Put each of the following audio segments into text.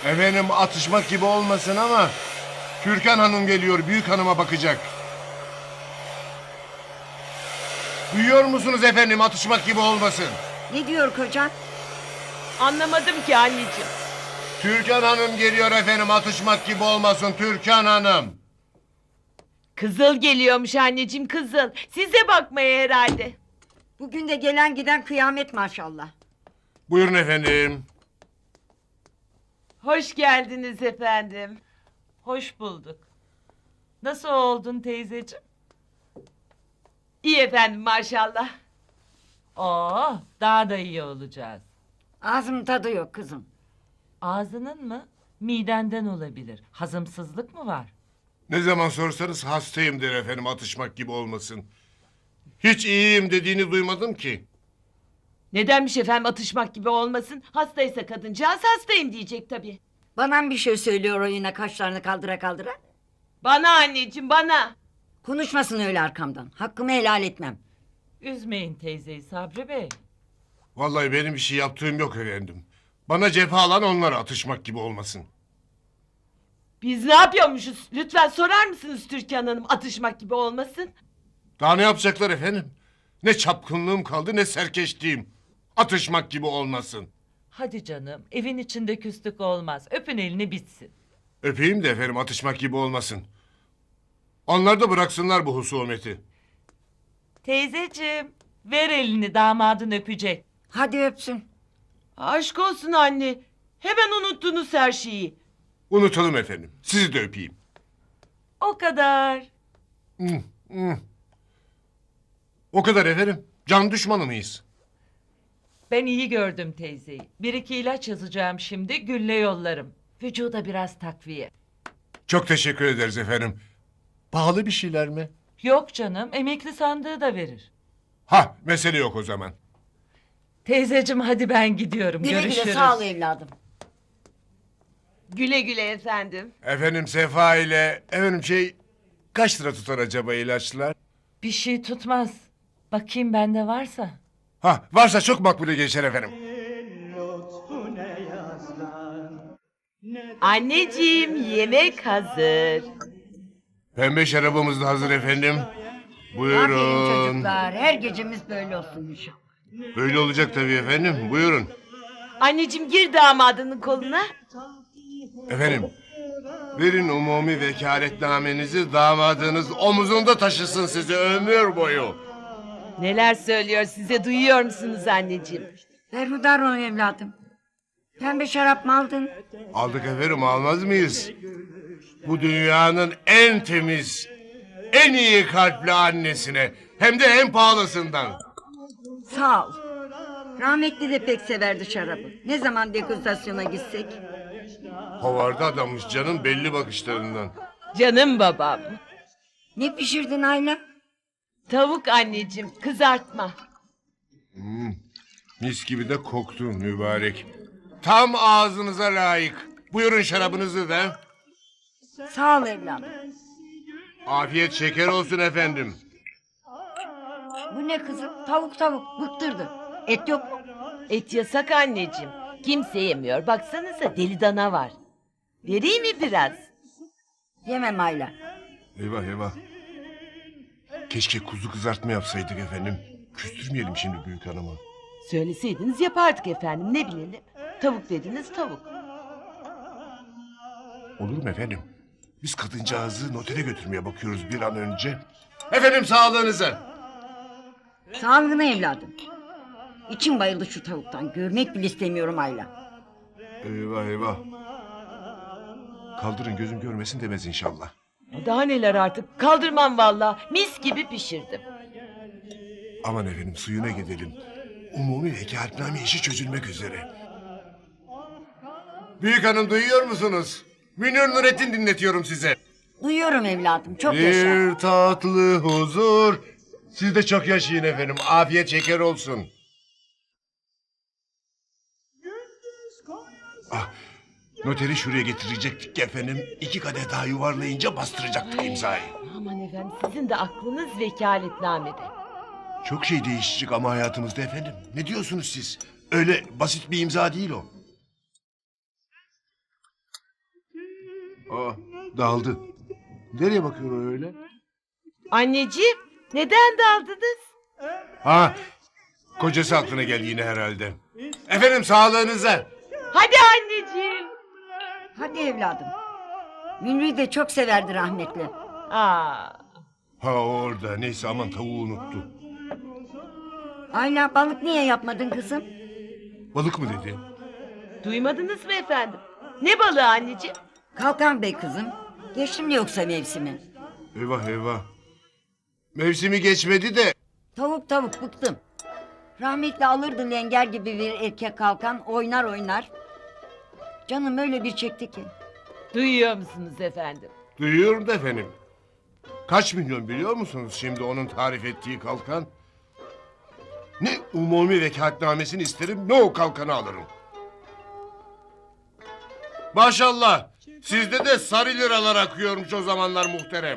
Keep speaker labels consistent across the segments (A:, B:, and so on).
A: Efendim atışmak gibi olmasın ama Türkan Hanım geliyor, büyük hanıma bakacak. Duyuyor musunuz efendim, atışmak gibi olmasın.
B: Ne diyor kocan?
C: Anlamadım ki anneciğim.
A: Türkan Hanım geliyor efendim, atışmak gibi olmasın Türkan Hanım.
C: Kızıl geliyormuş anneciğim, kızıl. Size bakmaya herhalde.
B: Bugün de gelen giden kıyamet maşallah.
A: Buyurun efendim.
C: Hoş geldiniz efendim. Hoş bulduk. Nasıl oldun teyzeciğim? İyi efendim maşallah. Oo, daha da iyi olacağız.
B: Ağzımın tadı yok kızım.
C: Ağzının mı? Midenden olabilir. Hazımsızlık mı var?
A: Ne zaman sorsanız hastayım der efendim, atışmak gibi olmasın. Hiç iyiyim dediğini duymadım ki.
C: Nedenmiş efendim atışmak gibi olmasın? Hastaysa kadıncağız hastayım diyecek tabii.
B: Bana bir şey söylüyor o yine kaşlarını kaldıra kaldıra.
C: Bana anneciğim bana.
B: Konuşmasın öyle arkamdan. Hakkımı helal etmem.
C: Üzmeyin teyzeyi Sabri Bey.
A: Vallahi benim bir şey yaptığım yok efendim. Bana cephe alan onlara, atışmak gibi olmasın.
C: Biz ne yapıyormuşuz? Lütfen sorar mısınız Türkan Hanım atışmak gibi olmasın?
A: Daha ne yapacaklar efendim? Ne çapkınlığım kaldı ne serkeşliğim. Atışmak gibi olmasın.
C: Hadi canım evin içinde küslük olmaz. Öpün elini bitsin.
A: Öpeyim de efendim, atışmak gibi olmasın. Onlar da bıraksınlar bu husumeti.
C: Teyzeciğim ver elini damadın öpecek.
B: Hadi öpsün.
C: Aşk olsun anne. Hemen unuttunuz her şeyi.
A: Unutalım efendim. Sizi de öpeyim.
C: O kadar.
A: O kadar efendim. Can düşmanı mıyız?
C: Ben iyi gördüm teyzeyi. Bir iki ilaç yazacağım şimdi gülle yollarım. Vücuda biraz takviye.
A: Çok teşekkür ederiz efendim. Pahalı bir şeyler mi?
C: Yok canım emekli sandığı da verir.
A: Ha, mesele yok o zaman.
C: Teyzeciğim hadi ben gidiyorum.
B: Güle
C: Görüşürüz.
B: güle sağ ol evladım.
C: Güle güle efendim.
A: Efendim Sefa ile kaç lira tutar acaba ilaçlar?
C: Bir şey tutmaz. Bakayım bende varsa.
A: Ha, varsa çok makbule geçer efendim.
C: Anneciğim yemek hazır.
A: Pembe şarabımız da hazır efendim.
B: Aferin
A: Buyurun.
B: çocuklar. Her gecemiz böyle olsun inşallah.
A: Böyle olacak tabii efendim. Buyurun.
C: Anneciğim gir damadının koluna.
A: Efendim, verin umumi vekaletnamenizi, damadınız omuzunda taşısın sizi ömür boyu.
C: Neler söylüyor size duyuyor musunuz anneciğim?
B: Berhudar ol evladım. Pembe şarap mı aldın?
A: Aldık efendim, almaz mıyız? Bu dünyanın en temiz, en iyi kalpli annesine, hem de en pahalısından.
B: Sağ ol. Rahmetli de pek severdi şarabı. Ne zaman degustasyona gitsek?
A: Havarda adammış canım, belli bakışlarından.
C: Canım babam.
B: Ne pişirdin Ayla?
C: Tavuk anneciğim kızartma.
A: Mis gibi de koktu mübarek. Tam ağzınıza layık. Buyurun şarabınızı da.
B: Sağ ol evladım.
A: Afiyet şeker olsun efendim.
B: Bu ne kızım? Tavuk tavuk. Bıktırdı. Et yok mu?
C: Et yasak anneciğim. Kimse yemiyor. Baksanıza deli dana var. Vereyim mi biraz?
B: Yemem Ayla.
A: Eyvah eyvah. Keşke kuzu kızartma yapsaydık efendim. Küstürmeyelim şimdi büyük hanımı.
C: Söyleseydiniz yapardık efendim ne bilelim. Tavuk dediniz tavuk.
A: Olur mu efendim? Biz kadıncağızı notere götürmeye bakıyoruz bir an önce. Efendim sağlığınıza.
B: Sağlığına evladım. İçim bayıldı şu tavuktan. Görmek bile istemiyorum Ayla.
A: Eyvah eyvah. Kaldırın gözüm görmesin demez inşallah.
C: Daha neler artık kaldırmam valla. Mis gibi pişirdim.
A: Aman efendim suyuna gidelim. Umumi vekaletname işi çözülmek üzere. Büyük hanım duyuyor musunuz? Münir Nurettin dinletiyorum size.
B: Duyuyorum evladım. Çok yaşa.
A: Bir tatlı huzur. Siz de çok yaşayın efendim. Afiyet şeker olsun. Ah, noteri şuraya getirecektik efendim. 2 kadeh daha yuvarlayınca bastıracaktık imzayı.
C: Aman efendim sizin de aklınız vekaletnamede.
A: Çok şey değişecek ama hayatımızda efendim. Ne diyorsunuz siz? Öyle basit bir imza değil o. Aa, daldı. Nereye bakıyor öyle?
D: Anneciğim, neden daldınız?
A: Ha, kocası aklına geldi yine herhalde. Efendim sağlığınıza.
D: Hadi anneciğim.
B: Hadi evladım. Münir'i de çok severdi rahmetli.
D: Aa,
A: Ha orada. Neyse aman tavuğu unuttu.
B: Ayla balık niye yapmadın kızım?
A: Balık mı dedi?
D: duymadınız mı efendim? Ne balığı anneciğim?
B: Kalkan Bey kızım. Geçti mi yoksa mevsimi?
A: Eyvah eyvah. Mevsimi geçmedi de.
B: Tavuk bıktım. Rahmetli alırdı lenger gibi bir erkek kalkan oynar oynar. Canım öyle bir çekti ki.
D: Duyuyor musunuz efendim?
A: Duyuyorum da efendim. Kaç milyon biliyor musunuz şimdi onun tarif ettiği kalkan? Ne umumi vekaletnamesini isterim ne o kalkanı alırım. Maşallah sizde de sarı liralar akıyormuş o zamanlar muhterem.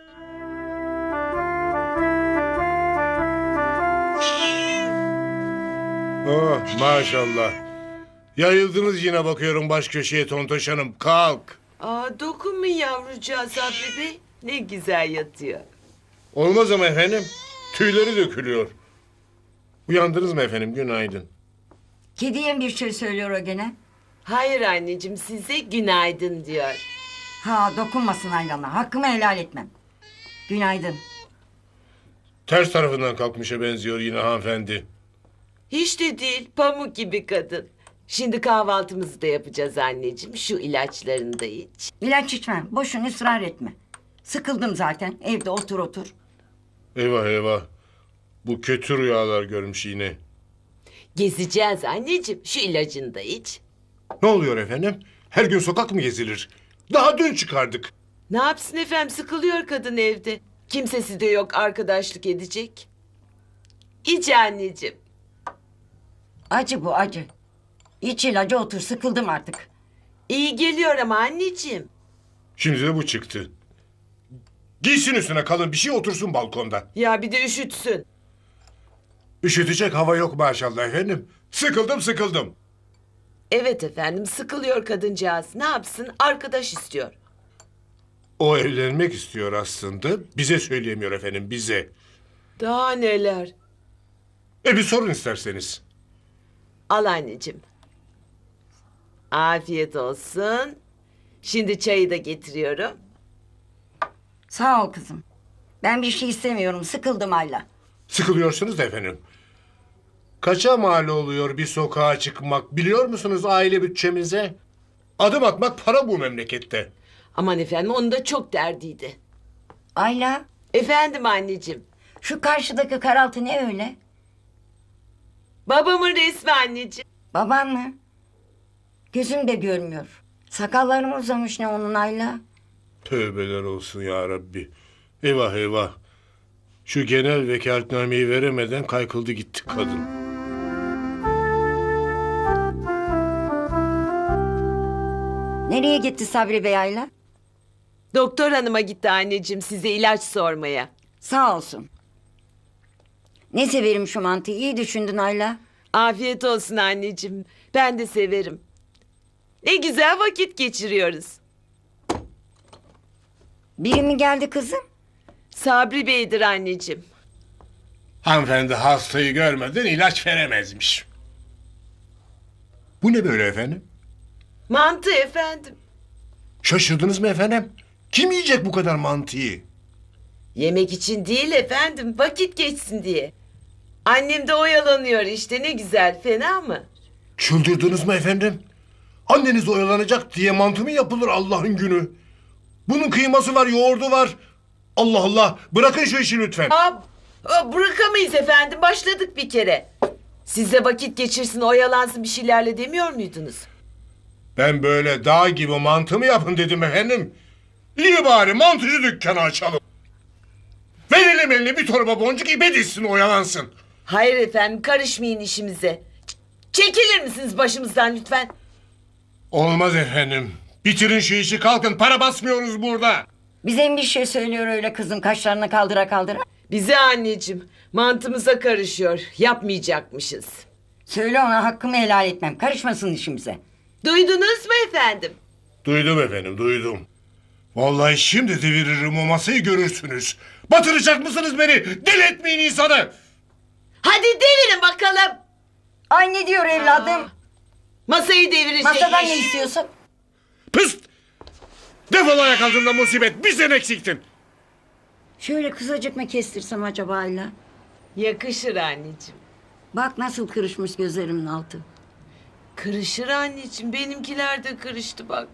A: Oh maşallah. Yayıldınız yine bakıyorum baş köşeye Tontoş Hanım. Kalk.
D: Aa, dokunmayın yavrucağa Sabri Bey. Ne güzel yatıyor.
A: Olmaz ama efendim. Tüyleri dökülüyor. Uyandınız mı efendim? Günaydın.
B: Kediye bir şey söylüyor o gene.
D: Hayır anneciğim, size günaydın diyor.
B: Ha dokunmasın Aylan'a. Hakkımı helal etmem. Günaydın.
A: Ters tarafından kalkmışa benziyor yine hanımefendi.
D: Hiç de değil, pamuk gibi kadın. Şimdi kahvaltımızı da yapacağız anneciğim. Şu ilaçlarını da iç.
B: İlaç içmem. Boşuna ısrar etme. Sıkıldım zaten. Evde otur.
A: Eyvah eyvah. Bu kötü rüyalar görmüş yine.
D: Gezeceğiz anneciğim. Şu ilacını da iç.
A: Ne oluyor efendim? Her gün sokak mı gezilir? Daha dün çıkardık.
D: Ne yapsın efendim, sıkılıyor kadın evde. Kimsesi de yok arkadaşlık edecek. İç anneciğim.
B: Acı bu acı. İç ilacı otur. Sıkıldım artık.
D: İyi geliyor ama anneciğim.
A: Şimdi de bu çıktı. Giysin üstüne kalın bir şey otursun balkonda.
D: Ya bir de üşütsün.
A: Üşütecek hava yok maşallah efendim. Sıkıldım.
D: Evet efendim, sıkılıyor kadıncağız. Ne yapsın, arkadaş istiyor.
A: O evlenmek istiyor aslında. Bize söyleyemiyor efendim bize.
D: Daha neler.
A: Bir sorun isterseniz.
D: Al anneciğim. Afiyet olsun. Şimdi çayı da getiriyorum.
B: Sağ ol kızım. Ben bir şey istemiyorum. Sıkıldım Ayla.
A: Sıkılıyorsunuz da efendim. Kaça mal oluyor bir sokağa çıkmak biliyor musunuz aile bütçemize? Adım atmak para bu memlekette.
D: Aman efendim, onun da çok derdiydi.
B: Ayla,
D: Efendim anneciğim.
B: şu karşıdaki karaltı ne öyle?
D: Babamın resmi anneciğim.
B: Baban mı? Gözüm de görmüyor. Sakallarım uzamış ne onun Ayla?
A: Tövbeler olsun ya Rabbi. Eyvah eyvah. Şu genel vekaletnameyi veremeden kaykıldı gitti kadın.
B: Nereye gitti Sabri Bey Ayla?
D: Doktor hanıma gitti anneciğim size ilaç sormaya.
B: Sağ olsun. Ne severim şu mantıyı. İyi düşündün Ayla.
D: Afiyet olsun anneciğim. Ben de severim. Ne güzel vakit geçiriyoruz.
B: Biri mi geldi kızım?
D: Sabri Bey'dir anneciğim.
A: Hanımefendi hastayı görmeden ilaç veremezmiş. Bu ne böyle efendim?
D: Mantı efendim.
A: Şaşırdınız mı efendim? Kim yiyecek bu kadar mantıyı?
D: Yemek için değil efendim, vakit geçsin diye. Annem de oyalanıyor işte, ne güzel, fena mı?
A: Çıldırdınız mı efendim? Anneniz oyalanacak diye mantı mı yapılır Allah'ın günü? Bunun kıyması var, yoğurdu var. Allah Allah, bırakın şu işi lütfen.
D: Bırakamayız efendim, başladık bir kere. Siz de vakit geçirsin, oyalansın bir şeylerle demiyor muydunuz?
A: Ben böyle dağ gibi mantı mı yapın dedim efendim. İyi bari mantıcı dükkanı açalım. Verelim eline bir torba boncuk ipe dizsin oyalansın.
D: Hayır efendim, karışmayın işimize. Çekilir misiniz başımızdan lütfen?
A: Olmaz efendim. Bitirin şu işi kalkın para basmıyoruz burada.
B: Bize mi bir şey söylüyor öyle kızım kaşlarını kaldıra?
D: Bize anneciğim, mantımıza karışıyor, yapmayacakmışız.
B: Söyle ona hakkımı helal etmem. Karışmasın işimize.
D: Duydunuz mu efendim?
A: Duydum efendim duydum. Vallahi şimdi deviririm o masayı görürsünüz. Batıracak mısınız beni? Deli etmeyin insanı.
D: Hadi devirin bakalım.
B: Ay ne diyor evladım?
D: Masayı devirecek.
B: Masadan ne istiyorsun?
A: Pıst! Defol ayak altında musibet. Bir sen eksiktin.
B: Şöyle kısacık mı kestirsem acaba Ayla?
D: Yakışır anneciğim.
B: Bak nasıl kırışmış gözlerimin altı.
D: Kırışır anneciğim. Benimkiler de kırıştı bak.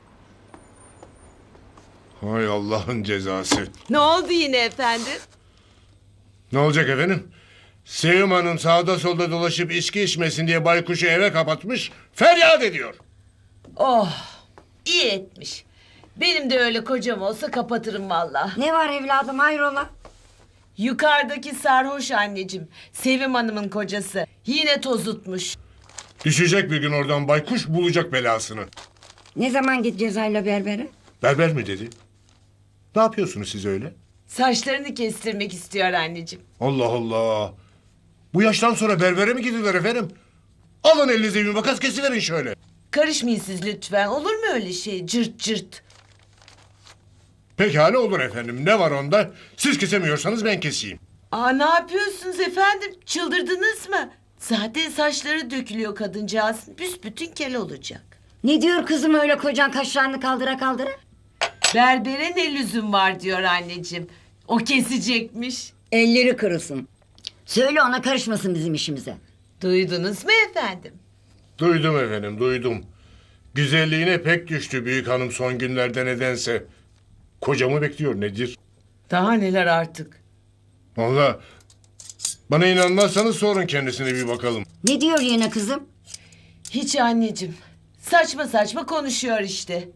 A: Hay Allah'ın cezası.
D: Ne oldu yine efendim?
A: Ne olacak efendim? Sevim Hanım sağda solda dolaşıp içki içmesin diye baykuşu eve kapatmış, feryat ediyor.
D: Oh, iyi etmiş. Benim de öyle kocam olsa kapatırım valla.
B: Ne var evladım hayrola?
D: Yukarıdaki sarhoş anneciğim. Sevim Hanım'ın kocası. Yine tozutmuş.
A: Düşecek bir gün oradan baykuş bulacak belasını.
B: Ne zaman gideceğiz Ayla berbere?
A: Berber mi dedi? Ne yapıyorsunuz siz öyle?
D: Saçlarını kestirmek istiyor anneciğim.
A: Allah Allah. Bu yaştan sonra berbere mi gidilir efendim? Alın elinize bir makas kesiverin şöyle.
D: Karışmayın siz lütfen. Olur mu öyle şey? Cırt cırt.
A: Pekala olur efendim. Ne var onda? Siz kesemiyorsanız ben keseyim.
D: Aa, ne yapıyorsunuz efendim? Çıldırdınız mı? Zaten saçları dökülüyor kadıncağızın. Büsbütün kel olacak.
B: Ne diyor kızım öyle kocan kaşlarını kaldıra kaldıra?
D: Berbere ne lüzum var diyor anneciğim. O kesecekmiş.
B: Elleri kırılsın. Söyle ona karışmasın bizim işimize.
D: Duydunuz mu efendim?
A: Duydum efendim, duydum. Güzelliğine pek düştü büyük hanım son günlerde nedense. Kocamı bekliyor nedir?
D: Daha neler artık.
A: Vallahi bana inanmazsanız sorun kendisine bir bakalım.
B: Ne diyor yine kızım?
D: Hiç anneciğim. Saçma saçma konuşuyor işte.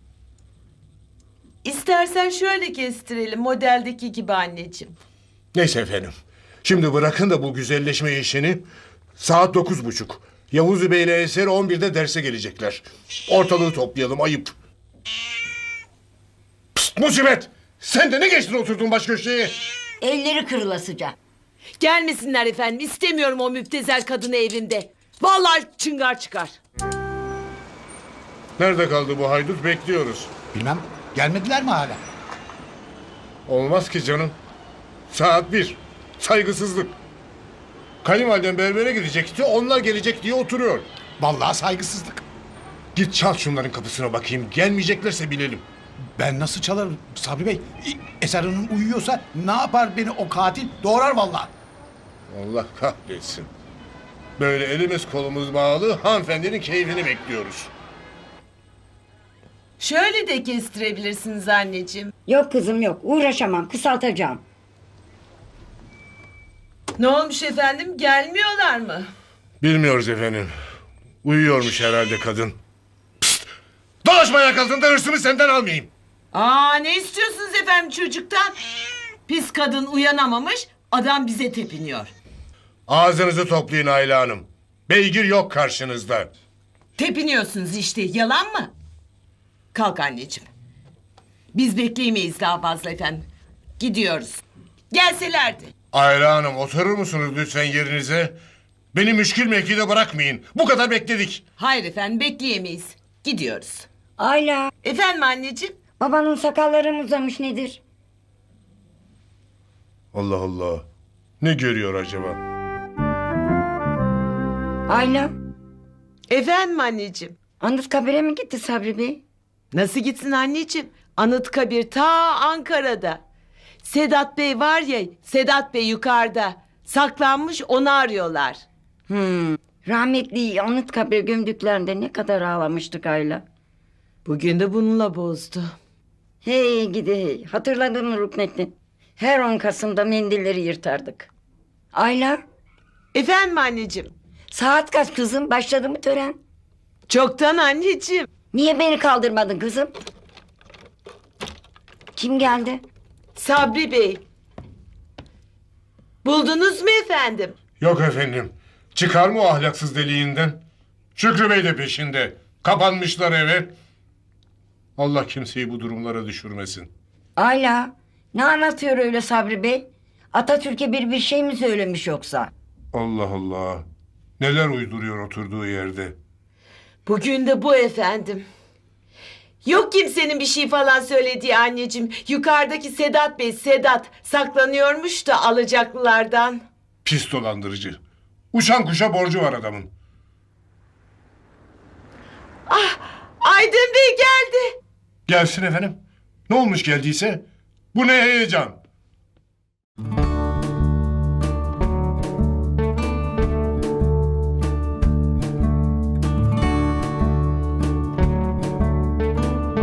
D: İstersen şöyle kestirelim modeldeki gibi anneciğim.
A: Neyse efendim. Şimdi bırakın da bu güzelleşme işini. Saat 9:30. Yavuz Bey ile Eser 11'de derse gelecekler. Ortalığı toplayalım ayıp. Pst, musibet! Sen de ne geçtin oturdun baş köşeye?
B: Elleri kırılasıca.
D: Gelmesinler efendim. İstemiyorum o müptezel kadını evimde. Vallahi çıngar çıkar.
A: Nerede kaldı bu haydut? Bekliyoruz.
E: Bilmem. Gelmediler mi hala?
A: Olmaz ki canım. Saat 1. Saygısızlık. Kayınvaliden berbere gidecekti. Onlar gelecek diye oturuyor.
E: Vallahi saygısızlık.
A: Git çal şunların kapısına bakayım. Gelmeyeceklerse bilelim.
E: Ben nasıl çalarım Sabri Bey? Eser Hanım uyuyorsa ne yapar beni o katil? Doğrar vallahi.
A: Allah kahretsin. Böyle elimiz kolumuz bağlı hanımefendinin keyfini bekliyoruz.
D: Şöyle de kestirebilirsiniz anneciğim.
B: Yok kızım yok uğraşamam kısaltacağım.
D: Ne olmuş efendim? Gelmiyorlar mı?
A: Bilmiyoruz efendim. Uyuyormuş herhalde kadın. Pst! Dolaşma ayak altında hırsımı senden almayayım.
D: Aa, ne istiyorsunuz efendim çocuktan? Pis kadın uyanamamış, adam bize tepiniyor.
A: Ağzınızı toplayın Ayla Hanım. Beygir yok karşınızda.
D: Tepiniyorsunuz işte, yalan mı? Kalk anneciğim. Biz bekleyemeyiz daha fazla efendim. Gidiyoruz. Gelselerdi.
A: Ayla Hanım oturur musunuz lütfen yerinize? Beni müşkül mevkide bırakmayın. Bu kadar bekledik.
D: Hayır efendim, bekleyemeyiz. Gidiyoruz.
B: Ayla
D: Efendim anneciğim?
B: babanın sakalları mı uzamış nedir?
A: Allah Allah. Ne görüyor acaba?
B: Ayla
D: Efendim anneciğim?
B: Anıtkabir'e mi gitti Sabri Bey?
D: Nasıl gitsin anneciğim? Anıtkabir ta Ankara'da. Sedat Bey var ya, Sedat Bey yukarıda. Saklanmış, onu arıyorlar.
B: Rahmetli Anıtkabir gömdüklerinde ne kadar ağlamıştık Ayla.
D: Bugün de bununla bozdu.
B: Hey gidi hey. Hatırladın mı Ruknettin? Her 10 Kasım'da mendilleri yırtardık. Ayla
D: Efendim anneciğim?
B: saat kaç kızım? Başladı mı tören?
D: Çoktan anneciğim.
B: Niye beni kaldırmadın kızım? Kim geldi?
D: Sabri Bey. Buldunuz mu efendim?
A: Yok efendim. Çıkar mı o ahlaksız deliğinden? Şükrü Bey de peşinde. Kapanmışlar eve. Allah kimseyi bu durumlara düşürmesin.
B: Ayla ne anlatıyor öyle Sabri Bey? Atatürk'e bir şey mi söylemiş yoksa?
A: Allah Allah. Neler uyduruyor oturduğu yerde.
D: Bugün de bu efendim. Yok kimsenin bir şey falan söylediği anneciğim. Yukarıdaki Sedat Bey, Sedat saklanıyormuş da alacaklılardan.
A: Pis dolandırıcı. Uçan kuşa borcu var adamın.
D: Aydın Bey geldi.
A: Gelsin efendim. Ne olmuş geldiyse? Bu ne heyecan?